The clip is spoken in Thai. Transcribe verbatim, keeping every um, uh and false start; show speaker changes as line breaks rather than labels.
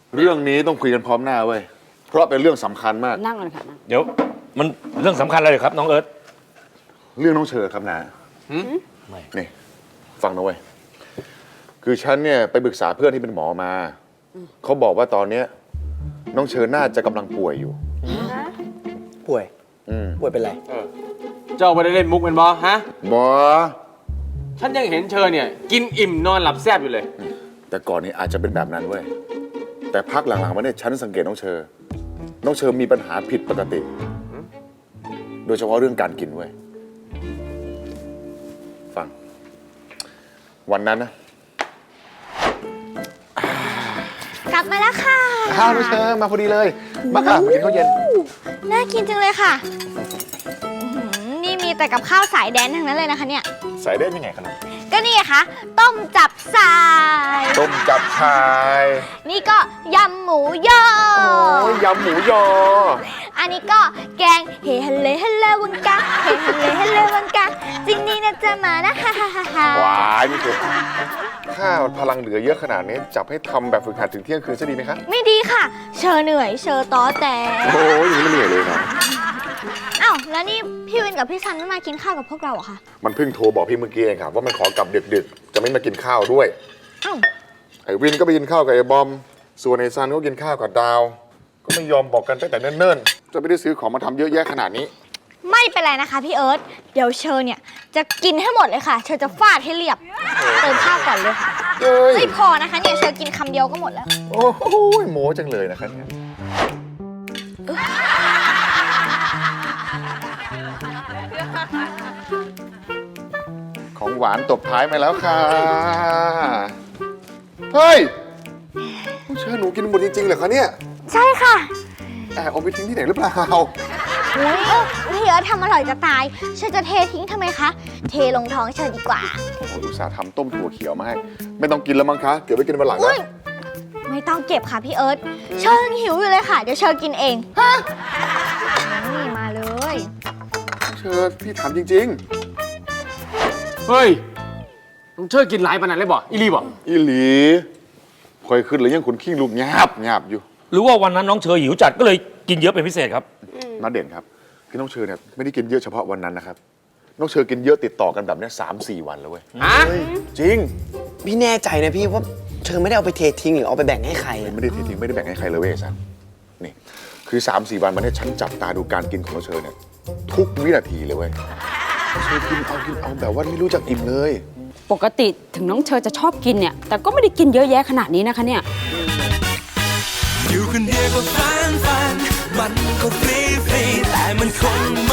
เรื่องนี้ต้องคุยกันพร้อมหน้าเว้ยเพราะเป็นเรื่องสำคัญมาก
นั่งกันค่ะนั่ง
เดี๋ยวมันเรื่องสำคัญอะไรครับน้องเอิร์ธ
เรื่องน้องเชอครับนะไม่นี่ฟังนะเว้ยคือฉันเนี่ยไปปรึกษาเพื่อนที่เป็นหมอมาเขาบอกว่าตอนเนี้ยน้องเชอน่าจะกำลังป่วยอยู่
ป่วยป่วยเป็นไร
เจ้าไม่ได้เล่นมุกเป็นบอฮะ
หมอ
ฉันยังเห็นเชอเนี่ยกินอิ่มนอนหลับแซบอยู่เลย
แต่ก่อนนี้อาจจะเป็นแบบนั้นเว้ยแต่พักหลังๆมาเนี่ยฉันสังเกตน้องเชอน้องเชอมีปัญหาผิดปกติโดยเฉพาะเรื่องการกินเว้ยฟังวันนั้นนะ
กลับมาแล้วค่ะ
ข้าวน้องเชอมาพอดีเลยมาค่ะมากินข้าวเย็น
น่ากินจังเลยค่ะนี่มีแต่กับข้าวสายแดนทั้งนั้นเลยนะคะเนี่ย
สายแดนยังไงครับ
ก็นี่ค่ะต้มจับสาย
ต้มจับชาย
นี่ก็ยำหมูยอ
โอ้ยยำหมูยอ
อันนี้ก็แกงเฮฮัลเลฮัลเลวังกะเฮฮัลเลฮัลเลวังกะจริงนี่นะจะมานะฮ่าฮ่าฮ่าฮ่า
ว้ายนี่คือข้าวพลังเหลือเยอะขนาดนี้จับให้ทำแบบฝึกหัดถึงเที่ยงคืนจะดีไหมครับ
ไม่ดีค่ะเชอเหนื่อยเชอต้อแต่
โอ้ยอย่างนี้ไม่เหนื่อยเลยนะ
อ้าวแล้วนี่พี่วินกับพี่ซันไม่มากินข้าวกับพวกเราเหรอคะ
มันเพิ่งโทรบอกพี่เมื่อกี้เองครับว่ามันขอกลับดึกๆจะไม่มากินข้าวด้วย
อ้าว
ไอ้วินก็ไปกินข้าวกับไอ้บอมส่วนไอ้ซันก็กินข้าวกับดาวก็ไม่ยอมบอกกันตั้งแต่เนิ่นๆจะไม่ได้ซื้อของมาทำเยอะแยะขนาดนี้
ไม่เป็นไรนะคะพี่เอิร์ธเดี๋ยวเชอเนี่ยจะกินให้หมดเลยค่ะเชอจะฟาดให้เรียบเติมข้าวก่อนเลยค่ะไม่พอนะคะเนี่ยเชอกินคำเดียวก็หมดแล้ว
โอ้โหโม้จังเลยนะคะเนี่ยของหวานตบท้ายมาแล้วค่ะเฮ้ยเชื่อหนูกินหมดจริงๆเหรอคะเนี่ย
ใช่ค่ะ
แอบเอาไปทิ้งที่ไหนหรือเปล่า
เฮ้ยพี่เอิร์ธทำอร่อยจะตายเชอจะเททิ้งทำไมคะเทลงท้องเชอดีกว่า
โอ้โหอุตส่าห์ทำต้มถั่วเขียวมาให้ไม่ต้องกินแล้วมั้งคะเก็บไว้กินวันหลังนะ
ไม่ต้องเก็บค่ะพี่เอิร์ธเชอยังหิวอยู่เลยค่ะเดี๋ยวเชอกินเองฮะนี่มาเลย
เชอพี่ถามจริง
เฮ้ยต้องเชอกินหลายปานนั้นเลยบ่อีลีบ่
อีหลีคอยขึ้นเลยยังขนขี้ลูกหยาบหยาบอยู่
หรือว่าวันนั้นน้องเชอหิวจัดก็เลยกินเยอะเป็นพิเศษครับ
น่าเด่นครับคือน้องเชอเนี่ยไม่ได้กินเยอะเฉพาะวันนั้นนะครับน้องเชอกินเยอะติดต่อกันแบบนี้สามสี่วันแล้วเว้ยจริง
พี่แน่ใจนะพี่ว่าเชอไม่ได้เอาไปเททิ้งหรือเอาไปแบ่งให้ใคร
ไม่ได้เททิ้งไม่ได้แบ่งให้ใครเลยเว้ยซันนี่คือสามสี่วันมาเนี่ยฉันจับตาดูการกินของน้องเชอเนี่ยทุกวินาทีเลยเว้ยเชอกินเอากินเอาแบบว่าไม่รู้จักอิ่มเลย
ปกติถึงน้องเชอจะชอบกินเนี่ยแต่ก็ไม่ได้กินเยอะแยะขนาดนี้นะคะเนี่ย
อยู่คนเดียวก็ฟันฟันมันก็ฟรีฟรีแต่มันคง